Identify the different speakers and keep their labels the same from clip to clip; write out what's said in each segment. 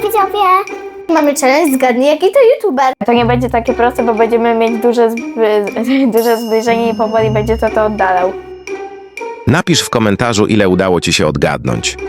Speaker 1: widzowie! Mamy challenge, zgadnij jaki to youtuber.
Speaker 2: To nie będzie takie proste, bo będziemy mieć duże zbliżenie i powoli będzie to oddalał.
Speaker 3: Napisz w komentarzu, ile udało ci się odgadnąć.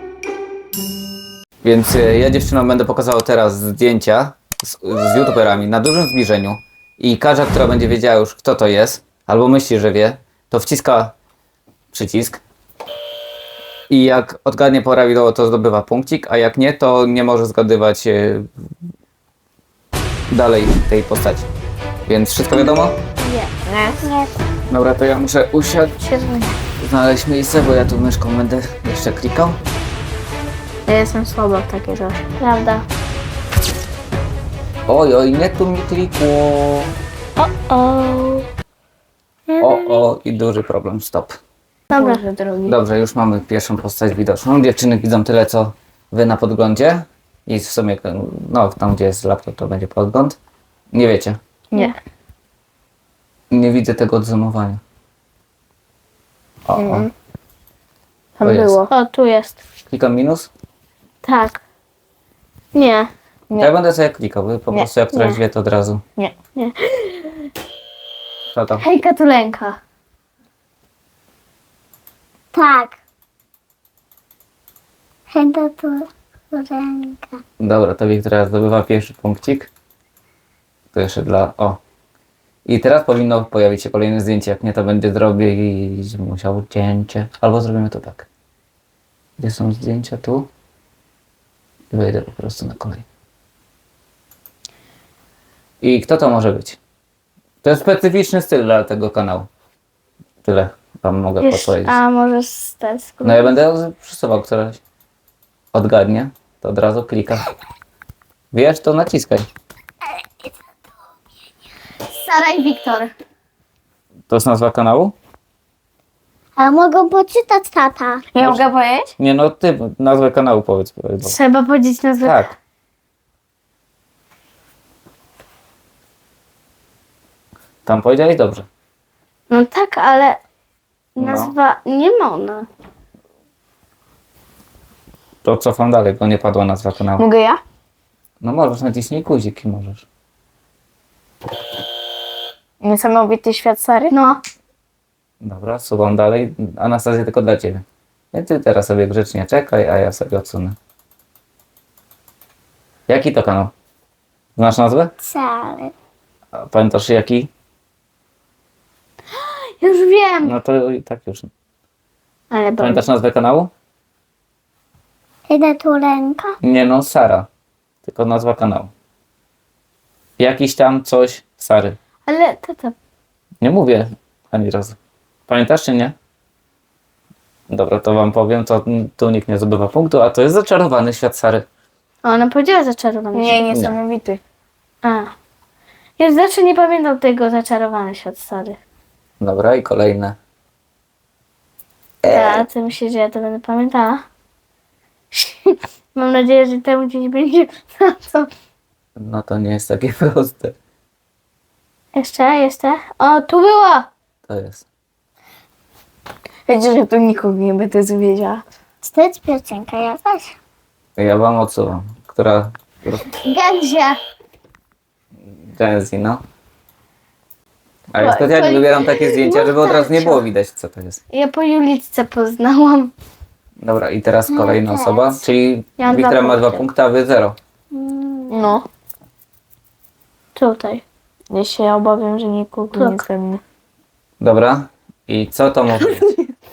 Speaker 4: Więc ja dziewczynom będę pokazał teraz zdjęcia z youtuberami na dużym zbliżeniu i każda, która będzie wiedziała już, kto to jest, albo myśli, że wie, to wciska przycisk i jak odgadnie prawidłowo, to zdobywa punkcik, a jak nie, to nie może zgadywać dalej tej postaci. Więc wszystko wiadomo?
Speaker 1: Nie.
Speaker 4: Dobra, to ja muszę usiąść, znaleźć miejsce, bo ja tu myszką będę jeszcze klikał.
Speaker 2: Ja jestem słaba w takie rzeczy.
Speaker 1: Prawda.
Speaker 4: Oj, nie tu mi klikło. O, i duży problem, stop.
Speaker 1: Dobra.
Speaker 2: Boże drogi.
Speaker 4: Dobrze, już mamy pierwszą postać widoczną. Dziewczyny widzą tyle, co wy na podglądzie. I w sumie, no tam gdzie jest laptop, to będzie podgląd. Nie wiecie.
Speaker 2: Nie.
Speaker 4: Nie widzę tego odzumowania. O.
Speaker 2: Tam
Speaker 4: To jest.
Speaker 2: było.
Speaker 1: O, tu jest.
Speaker 4: Klikam minus.
Speaker 1: Tak. Nie.
Speaker 4: Ja będę sobie klikał, wy po
Speaker 2: Nie.
Speaker 4: prostu jak któraś
Speaker 2: Nie.
Speaker 4: wie, to od razu.
Speaker 2: Nie.
Speaker 4: Co to?
Speaker 1: Hejka Tulenka. Tak. Hejka Tulenka.
Speaker 4: Dobra, to Wiktoria zdobywa pierwszy punkcik. To jeszcze dla... O. I teraz powinno pojawić się kolejne zdjęcie. Jak nie, to będzie zrobić... musiał cięcie. Albo zrobimy to tak. Gdzie są zdjęcia? Tu. I wejdę po prostu na kolej. I kto to może być? To jest specyficzny styl dla tego kanału. Tyle wam mogę podpowiedzieć.
Speaker 1: A może z tesku.
Speaker 4: No ja będę przesuwał któraś. Odgadnie. To od razu klika. Wiesz, to naciskaj.
Speaker 1: Sara i Wiktor.
Speaker 4: To jest nazwa kanału?
Speaker 1: A mogą poczytać tata.
Speaker 2: Ja mogę powiedzieć?
Speaker 4: Nie no, ty nazwę kanału powiedz.
Speaker 1: Trzeba powiedzieć nazwę.
Speaker 4: Tak. Tam powiedziałeś dobrze.
Speaker 1: No tak, ale
Speaker 4: No.
Speaker 1: nazwa nie można.
Speaker 4: To cofam dalej, bo nie padła nazwa kanału.
Speaker 2: Mogę ja?
Speaker 4: No możesz, naciśnij guzik i możesz.
Speaker 2: Niesamowity świat Sary?
Speaker 1: No.
Speaker 4: Dobra, suwam dalej. Anastazja tylko dla ciebie. I ty teraz sobie grzecznie czekaj, a ja sobie odsunę. Jaki to kanał? Znasz nazwę?
Speaker 1: Sary.
Speaker 4: A pamiętasz jaki?
Speaker 1: Już wiem.
Speaker 4: No to i tak już.
Speaker 1: Ale
Speaker 4: Pamiętasz nazwę kanału?
Speaker 1: Hejka Tulenka.
Speaker 4: Nie no, Sara. Tylko nazwa kanału. Jakiś tam coś Sary.
Speaker 1: Ale tata.
Speaker 4: Nie mówię ani razu. Pamiętasz czy nie? Dobra, to wam powiem, to tu nikt nie zdobywa punktu, a to jest Zaczarowany Świat Sary.
Speaker 1: Ona powiedziała zaczarowany
Speaker 2: Nie,
Speaker 1: świat.
Speaker 2: niesamowity.
Speaker 1: A. Ja zawsze nie pamiętam tego zaczarowany świat Sary.
Speaker 4: Dobra, i kolejne.
Speaker 1: A ty myślisz, że ja to będę pamiętała? Mam nadzieję, że temu gdzieś będzie na co.
Speaker 4: No to nie jest takie proste.
Speaker 1: Jeszcze. O, tu było!
Speaker 4: To jest.
Speaker 2: Wiecie, że tu nikogo nie będę wiedziała.
Speaker 1: Czy to jest piosenka jakaś?
Speaker 4: Ja wam odsuwam. Która...
Speaker 1: Gęzie.
Speaker 4: Genzy, no. A ja specjalnie wybieram takie zdjęcia, żeby od razu nie było widać, co to jest.
Speaker 1: Ja po Julitce poznałam.
Speaker 4: Dobra, i teraz kolejna
Speaker 1: też.
Speaker 4: osoba, czyli
Speaker 1: Ja mam
Speaker 4: Wiktoria
Speaker 1: dwa
Speaker 4: ma 2
Speaker 1: punkty.
Speaker 4: punkty, a wy 0.
Speaker 2: No.
Speaker 1: Tutaj.
Speaker 2: Ja się obawiam, że nikogo nie ze mnie.
Speaker 4: Dobra, i co to może być?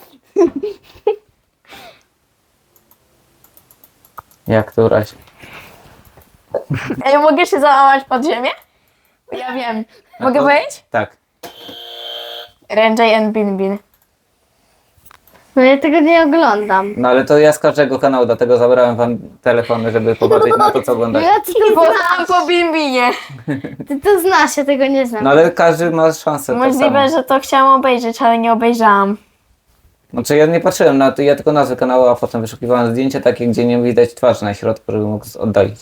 Speaker 4: Jak któraś?
Speaker 2: Ej, mogę się załamać pod ziemię? Ja wiem. Mogę powiedzieć?
Speaker 4: Tak.
Speaker 2: Renjay and Binbin.
Speaker 1: No ja tego nie oglądam.
Speaker 4: No ale to ja z każdego kanału, dlatego zabrałem wam telefony, żeby popatrzeć na to, co oglądacie.
Speaker 1: Ja ty to
Speaker 2: Poznałam po Binbinie.
Speaker 1: Ty to znasz, ja tego nie znam.
Speaker 4: No ale każdy ma szansę. Tak
Speaker 2: Możliwe,
Speaker 4: samo.
Speaker 2: że to chciałam obejrzeć, ale nie obejrzałam.
Speaker 4: Znaczy ja nie patrzyłem na to, ja tylko nazwę kanału, a potem wyszukiwałem zdjęcia takie, gdzie nie widać twarzy na środku, żeby mógł oddalić.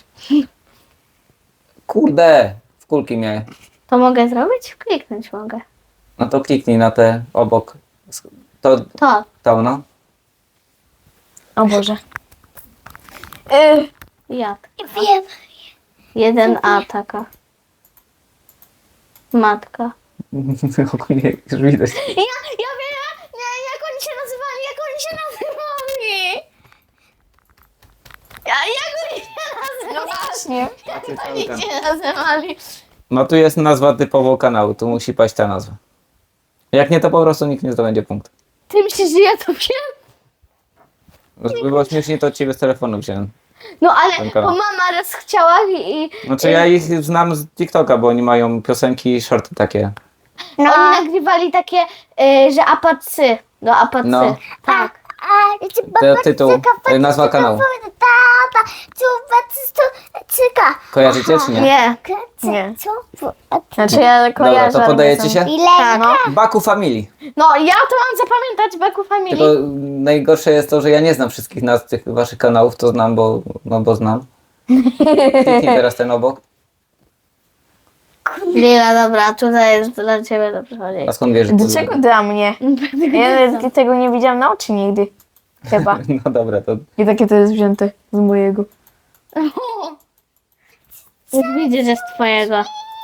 Speaker 4: Kurde, w kulki miałem.
Speaker 1: To mogę zrobić? Kliknąć mogę.
Speaker 4: No to kliknij na te obok. To,
Speaker 1: To.
Speaker 4: to no.
Speaker 2: O Boże.
Speaker 1: Jad.
Speaker 2: Wiem.
Speaker 1: 1A taka. Matka.
Speaker 4: Ogólnie już widać.
Speaker 2: Ja wiem, nie, jak oni się nazywali, jak oni się nazywali. Jak oni się nazywali? No właśnie. Jak oni się nazywali?
Speaker 4: No tu jest nazwa typowo kanału, tu musi paść ta nazwa. Jak nie, to po prostu nikt nie zdobędzie punktu.
Speaker 1: Ty myślisz, że ja to wiem?
Speaker 4: Żeby było śmiesznie, to od ciebie z telefonu wziąłem.
Speaker 1: No ale
Speaker 4: Ten
Speaker 1: bo
Speaker 4: kanał.
Speaker 1: mama raz chciała i
Speaker 4: Znaczy ja ich znam z TikToka, bo oni mają piosenki i shorty takie.
Speaker 1: oni nagrywali takie, że apacy. No apacy.
Speaker 4: No.
Speaker 1: Tak.
Speaker 4: To tytuł, nazwa kanału. Kojarzycie czy nie?
Speaker 1: Nie.
Speaker 2: Nie. Znaczy ja kojarzę.
Speaker 4: Dobra, to podajecie się?
Speaker 2: Tak, no.
Speaker 4: Baku Family.
Speaker 1: No ja to mam zapamiętać Beku Family.
Speaker 4: Tylko najgorsze jest to, że ja nie znam wszystkich nazw tych waszych kanałów, to znam, bo znam. Kliknij teraz ten obok.
Speaker 1: Lila, dobra, tutaj jest dla ciebie dobrze chodzi.
Speaker 4: A skąd wiesz, że to
Speaker 2: Dlaczego dla mnie? Ja nawet tego nie widziałam na oczy nigdy. Chyba.
Speaker 4: No dobra, to
Speaker 2: I takie to jest wzięte z mojego.
Speaker 1: Już widzę, że z twojego.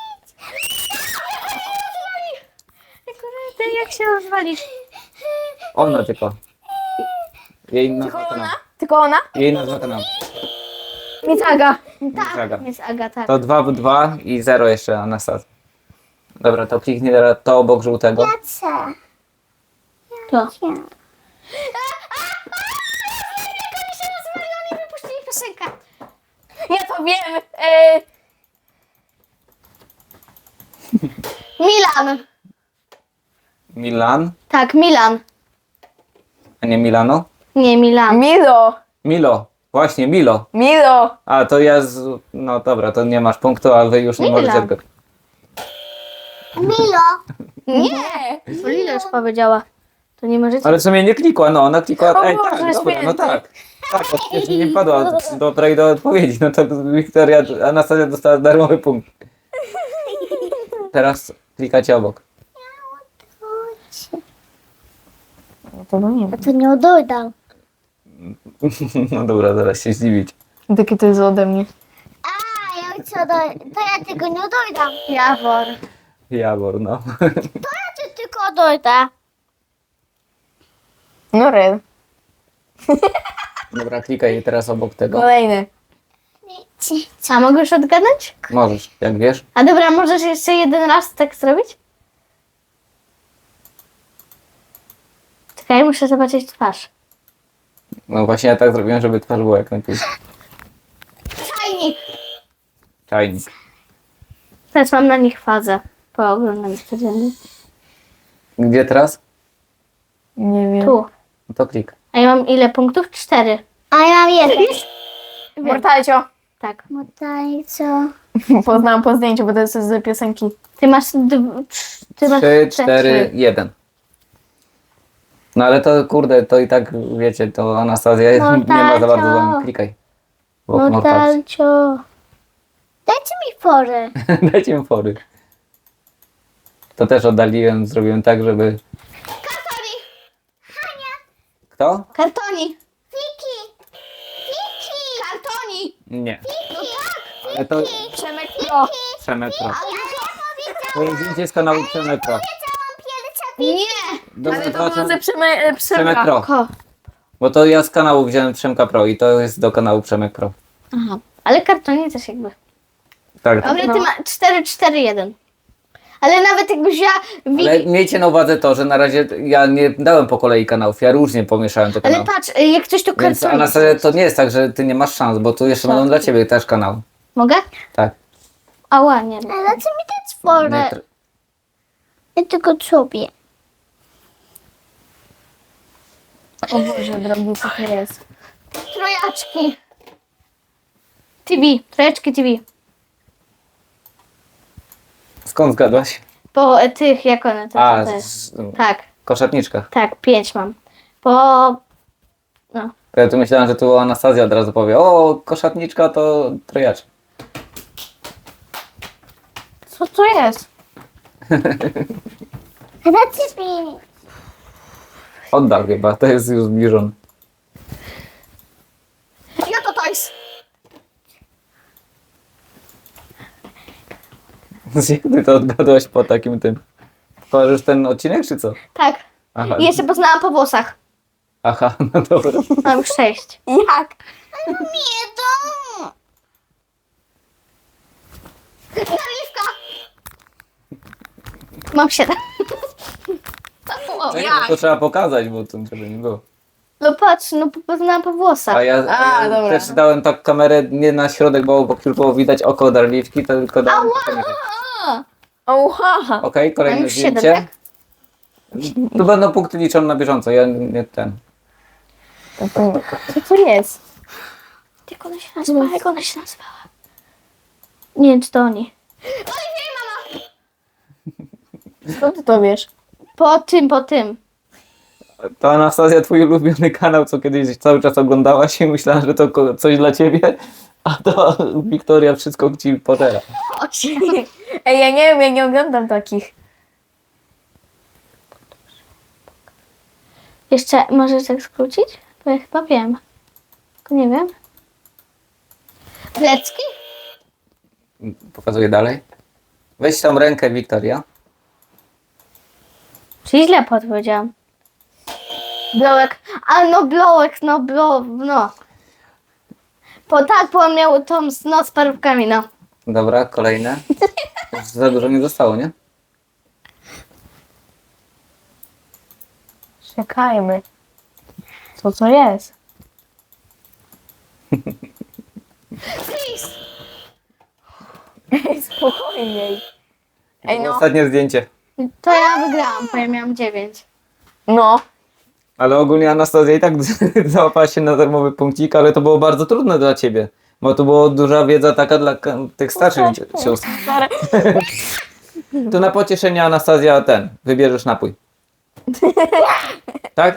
Speaker 1: Ty jak się rozwalisz?
Speaker 4: ona tylko. Jej nazwa kanału.
Speaker 2: Tylko ona?
Speaker 4: Jej nazwa kanału.
Speaker 2: Nic Aga.
Speaker 4: Aga.
Speaker 1: Jest Aga, tak.
Speaker 4: To 2 w 2 i 0 jeszcze Anastazja. Dobra, to kliknij teraz to obok żółtego.
Speaker 1: To.
Speaker 2: Wypuścili piosenkę. Ja to wiem.
Speaker 1: Milan.
Speaker 4: Milan,
Speaker 1: Tak, Milan.
Speaker 4: a nie Milano?
Speaker 1: Nie, Milan.
Speaker 2: Milo.
Speaker 4: Milo, właśnie Milo.
Speaker 2: Milo.
Speaker 4: A to ja z... No dobra, to nie masz punktu, a wy już nie
Speaker 1: Milo.
Speaker 4: możecie go.
Speaker 2: Nie.
Speaker 1: To Lila już powiedziała. To nie możecie.
Speaker 4: Ale w sumie nie klikła, no ona klikła.
Speaker 2: O
Speaker 4: Ej,
Speaker 2: Boże,
Speaker 4: tak, dobra, no
Speaker 2: święty.
Speaker 4: tak. Tak, to przecież nie wpadła do odpowiedzi. No to Wiktoria, Anastazja dostała darmowy punkt. Teraz klikacie obok.
Speaker 2: Tego nie wiem.
Speaker 1: To nie odejdę.
Speaker 4: No dobra, zaraz się zdziwić.
Speaker 2: Takie to jest ode mnie.
Speaker 5: To ja tego nie dojdę.
Speaker 1: Jawor.
Speaker 4: Jawor, no.
Speaker 5: Czy tylko dojdę?
Speaker 2: No red.
Speaker 4: Dobra, klikaj teraz obok tego.
Speaker 2: Kolejny.
Speaker 1: A mogę już odgadnąć?
Speaker 4: Możesz, jak wiesz.
Speaker 1: A dobra, możesz jeszcze jeden raz tak zrobić? Czekaj, muszę zobaczyć twarz.
Speaker 4: No właśnie ja tak zrobiłem, żeby twarz była jak najpierw.
Speaker 1: Czajnik.
Speaker 4: Czajnik.
Speaker 1: Teraz mam na nich fazę. Po oglądaniu codziennie.
Speaker 4: Gdzie teraz?
Speaker 2: Nie wiem.
Speaker 1: Tu.
Speaker 4: No to klik.
Speaker 1: A ja mam ile punktów? 4.
Speaker 5: A ja mam jeden.
Speaker 2: Mortalcio.
Speaker 1: Tak.
Speaker 5: Co?
Speaker 2: Poznałam po zdjęciu, bo to jest z piosenki.
Speaker 1: Ty masz... Ty masz
Speaker 4: 3, 4, 1. No ale to kurde, to i tak wiecie, to Anastazja nie ma za bardzo z wami. Klikaj. Obok Mortalcio.
Speaker 1: Mortalcio.
Speaker 5: Dajcie mi porę.
Speaker 4: Dajcie mi fory. To też oddaliłem, zrobiłem tak, żeby... Kto?
Speaker 1: Kartoni.
Speaker 5: Wiki.
Speaker 1: Kartoni.
Speaker 4: Nie. Ale to
Speaker 2: Przemek Pro.
Speaker 4: Przemetro. To jest zdjęcie z kanału Przemetro.
Speaker 1: Nie.
Speaker 4: Dobra,
Speaker 2: Ale to
Speaker 4: to
Speaker 2: było ze
Speaker 4: Przemek
Speaker 2: Przemka.
Speaker 4: Pro.
Speaker 1: Ko.
Speaker 4: Bo to ja z kanału wziąłem Przemka Pro i to jest do kanału Przemek Pro.
Speaker 1: Aha. Ale kartoni też jakby.
Speaker 4: Tak.
Speaker 1: Dobra, ty
Speaker 2: No.
Speaker 1: ma 4-4-1. Ale nawet jakbyś ja...
Speaker 4: Ale miejcie na uwadze to, że na razie ja nie dałem po kolei kanałów, ja różnie pomieszałem te
Speaker 1: Ale
Speaker 4: kanały.
Speaker 1: patrz, jak coś to
Speaker 4: Więc
Speaker 1: kartoni.
Speaker 4: Anastazja, to nie jest tak, że ty nie masz szans, bo tu jeszcze będą dla ciebie też kanały.
Speaker 1: Mogę?
Speaker 4: Tak.
Speaker 1: Ała, nie.
Speaker 5: A dajcie mi dać porę.
Speaker 4: Nie,
Speaker 5: Ja tylko sobie.
Speaker 2: O Boże, drogi, co to jest?
Speaker 1: Trojaczki. TV. Trojaczki TV.
Speaker 4: Skąd zgadłaś?
Speaker 1: Po tych, jak one to,
Speaker 4: A,
Speaker 1: to jest.
Speaker 4: z
Speaker 1: Tak,
Speaker 4: koszatniczkach.
Speaker 1: tak, 5 mam. Po... No.
Speaker 4: Ja tu myślałem, że tu Anastazja od razu powie, o, koszatniczka to trojaczek.
Speaker 2: Co to jest?
Speaker 5: A dajcie mi.
Speaker 4: Oddal chyba, to jest już zbliżony.
Speaker 1: Ja to toys.
Speaker 4: Jak ty to odgadłaś po takim tym? Kojarzysz ten odcinek, czy co?
Speaker 1: Tak.
Speaker 4: Aha,
Speaker 1: I jeszcze poznałam po włosach.
Speaker 4: aha, no dobra.
Speaker 1: Mam już 6.
Speaker 2: Jak?
Speaker 5: Nie to.
Speaker 1: Mam 7.
Speaker 4: No nie, no to trzeba pokazać, bo to żeby nie było.
Speaker 1: No patrz, no poznałam po włosach.
Speaker 4: A ja
Speaker 2: dobra.
Speaker 4: też dałem tak kamerę nie na środek, bo już było widać oko Darliwki, to tylko dałem.
Speaker 2: Oha!
Speaker 4: Okej,
Speaker 1: Mam
Speaker 4: kolejne
Speaker 1: już 7,
Speaker 4: zdjęcie.
Speaker 1: tak?
Speaker 4: Tu będą punkty liczone na bieżąco, ja nie ten.
Speaker 2: Co to jest?
Speaker 1: Jak ona się nazywała? Jak ona się nazywała? Nie wiem, czy to oni.
Speaker 2: Skąd ty to wiesz?
Speaker 1: Po tym.
Speaker 4: To Anastazja, twój ulubiony kanał, co kiedyś cały czas oglądałaś i myślała, że to coś dla ciebie, a to Wiktoria wszystko ci pożera.
Speaker 2: Ej, ja nie wiem, ja nie oglądam takich.
Speaker 1: Jeszcze możesz tak skrócić? Bo ja chyba wiem. Tylko nie wiem. Plecki?
Speaker 4: Pokazuję dalej. Weź tą rękę, Wiktoria.
Speaker 1: Czyli źle podpowiedziałam. Blołek. A no blołek, no. Bo on miał tą z parówkami, no.
Speaker 4: Dobra, kolejne. Już za dużo nie zostało, nie?
Speaker 2: Czekajmy. Co to jest? Ej, spokojniej. Ej, no.
Speaker 4: Ostatnie zdjęcie.
Speaker 1: To ja wygrałam, bo ja miałam 9.
Speaker 2: No.
Speaker 4: Ale ogólnie Anastazja i tak załapała się na darmowy punkcik, ale to było bardzo trudne dla ciebie. Bo to była duża wiedza taka dla tych starszych sióstr. Tu na pocieszenie Anastazja wybierzesz napój. Tak?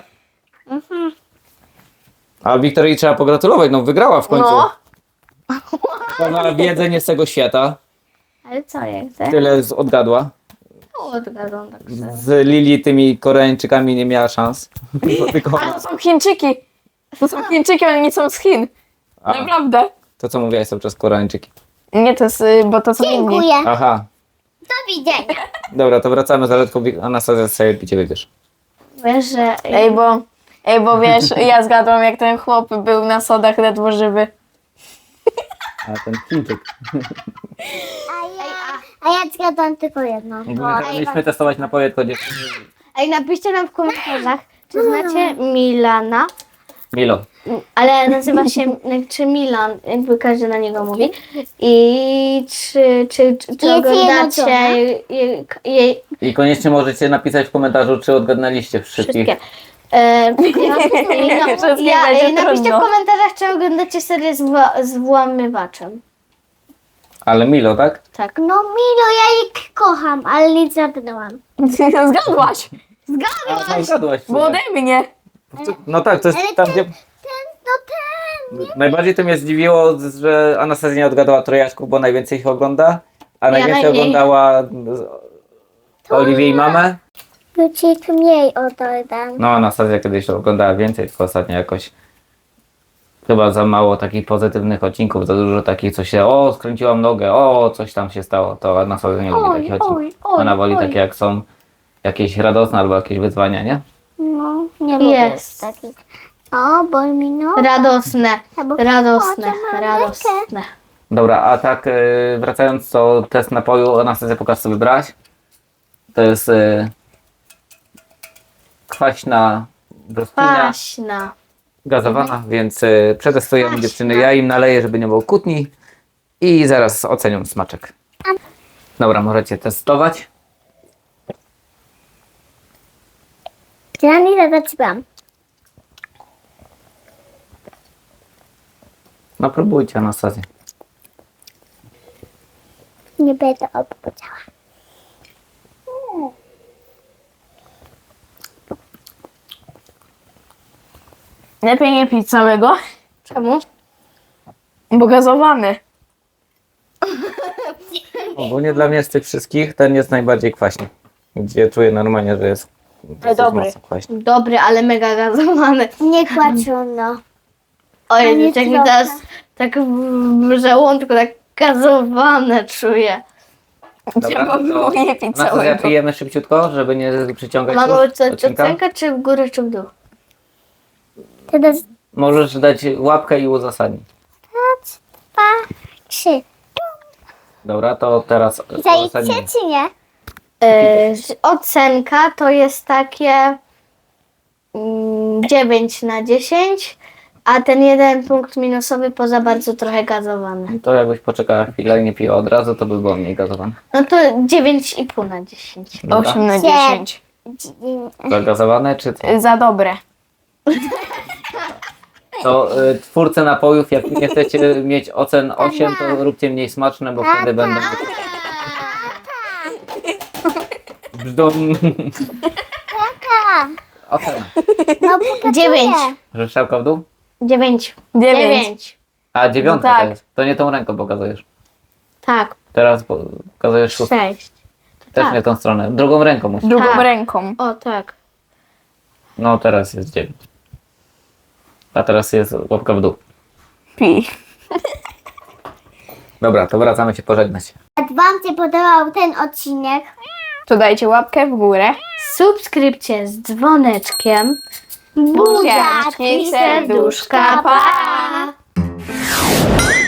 Speaker 4: A Wiktorii trzeba pogratulować, no wygrała w końcu.
Speaker 2: No.
Speaker 4: Ona wiedzę nie z tego świata,
Speaker 1: Ale co ja chcę?
Speaker 4: tyle odgadła.
Speaker 1: Odgadłam tak.
Speaker 4: Z Lili tymi Koreańczykami nie miała szans. Bo tylko
Speaker 2: A to są Chińczyki. To są Chińczyki, one nie są z Chin. Naprawdę.
Speaker 4: to co mówiłaś cały czas Koreańczyki.
Speaker 2: Nie, to jest, bo to są inni.
Speaker 5: Dziękuję.
Speaker 4: Aha,
Speaker 5: Do widzenia.
Speaker 4: dobra, to wracamy za letką. Anastazja sobie picie wybierz.
Speaker 1: Wiesz, że...
Speaker 2: Ej, bo wiesz, ja zgadłam, jak ten chłop był na sodach ledwo żywy.
Speaker 4: A ten Chińczyk.
Speaker 5: A ja zgadłam tylko jedno.
Speaker 4: Mieliśmy testować napoje, to dziewczyny.
Speaker 1: Ej, napiszcie nam w komentarzach, czy znacie Milana,
Speaker 4: Milo.
Speaker 1: ale nazywa się czy Milan, jakby każdy na niego mówi. I czy oglądacie jej
Speaker 4: I koniecznie możecie napisać w komentarzu, czy odgadnęliście wszystkich.
Speaker 1: wszystkie.
Speaker 2: Wszystkie będzie
Speaker 1: Napiszcie w
Speaker 2: trudno.
Speaker 1: komentarzach, czy oglądacie serię z włamywaczem.
Speaker 4: Ale Milo, tak?
Speaker 1: Tak.
Speaker 5: No Milo, ja jej kocham, ale nie zgadnęłam.
Speaker 2: Zgadłaś.
Speaker 4: A, zgadłaś.
Speaker 2: Bo ode mnie.
Speaker 4: No tak, to jest
Speaker 5: Ale
Speaker 4: tam, gdzie...
Speaker 5: Ten.
Speaker 4: Najbardziej to mnie zdziwiło, że Anastazja nie odgadała trojaczków, bo najwięcej ich ogląda, a najwięcej
Speaker 1: najmniej.
Speaker 4: oglądała Oliwię i mamę.
Speaker 5: Już mniej oddam.
Speaker 4: No, Anastazja kiedyś oglądała więcej, tylko ostatnio jakoś chyba za mało takich pozytywnych odcinków, za dużo takich, co się, skręciłam nogę, coś tam się stało, to Anastazja nie lubi takich odcinków. Ona woli takie, jak są jakieś radosne albo jakieś wyzwania, nie?
Speaker 5: No, nie lubię
Speaker 1: Jest.
Speaker 5: takich. O, boli mi noga.
Speaker 1: Radosne,
Speaker 5: Albo
Speaker 1: radosne,
Speaker 5: chodzę na
Speaker 1: radosne.
Speaker 4: Dobra, a tak wracając, to test napoju, Anastazja, pokaż co wybrałaś. To jest kwaśna brzoskwinia,
Speaker 1: Paśna.
Speaker 4: gazowana, więc przetestujemy dziewczyny. Ja im naleję, żeby nie było kłótni i zaraz ocenią smaczek. Dobra, możecie testować.
Speaker 5: Ja nie zaczynam.
Speaker 4: No próbujcie, Anastazja.
Speaker 5: Nie będę opowiedziała.
Speaker 2: Lepiej nie pić całego,
Speaker 1: Czemu?
Speaker 2: bo gazowany.
Speaker 4: Ogólnie dla mnie z tych wszystkich ten jest najbardziej kwaśny. Gdzie czuję normalnie, że jest dosyć
Speaker 2: dobry.
Speaker 4: mocno kwaśny.
Speaker 1: Dobry, ale mega gazowany.
Speaker 5: Nie kłaczono.
Speaker 1: Oj,
Speaker 5: nie
Speaker 1: jak mi
Speaker 5: trochę.
Speaker 1: teraz tak w żołądku tak gazowane czuję.
Speaker 4: Dobra,
Speaker 2: Trzeba było je pić
Speaker 4: Anastazja,
Speaker 2: całego.
Speaker 4: pijemy szybciutko, żeby nie przyciągać
Speaker 1: Mamy
Speaker 4: już
Speaker 1: ocenkę
Speaker 4: odcinka.
Speaker 1: czy w górę, czy w dół?
Speaker 5: Teraz
Speaker 4: Możesz dać łapkę i uzasadnić.
Speaker 5: 2, 3.
Speaker 4: Dobra, to teraz
Speaker 5: Zajdzie
Speaker 4: uzasadnij.
Speaker 5: czy nie?
Speaker 1: Ocenka to jest takie 9 na 10, a ten jeden punkt minusowy poza bardzo trochę gazowany.
Speaker 4: To jakbyś poczekała chwilę i nie piła od razu, to by było mniej gazowane.
Speaker 1: No to 9,5 na 10.
Speaker 4: Dobra.
Speaker 2: 8 na 10.
Speaker 4: Zagazowane czy co?
Speaker 2: Za dobre.
Speaker 4: To twórcy napojów, jak nie chcecie mieć ocen 8, to róbcie mniej smaczne, bo wtedy będą... Brzdą... Ocena.
Speaker 5: No pokazuję.
Speaker 1: 9.
Speaker 4: Że strzałka w dół?
Speaker 1: 9.
Speaker 2: 9.
Speaker 4: A, 9
Speaker 2: No tak.
Speaker 4: to jest. To nie tą ręką pokazujesz.
Speaker 1: Tak,
Speaker 4: Teraz pokazujesz 6.
Speaker 1: 6.
Speaker 4: Też
Speaker 1: tak.
Speaker 4: nie tą stronę. Drugą ręką musisz.
Speaker 2: Drugą
Speaker 1: Tak.
Speaker 2: ręką.
Speaker 1: O tak.
Speaker 4: No teraz jest 9. A teraz jest łapka w dół.
Speaker 2: Pij.
Speaker 4: Dobra, to wracamy się pożegnać.
Speaker 5: Jak wam się podobał ten odcinek,
Speaker 2: To dajcie łapkę w górę.
Speaker 1: Subskrypcję z dzwoneczkiem.
Speaker 2: Buziaczki, serduszka, pa!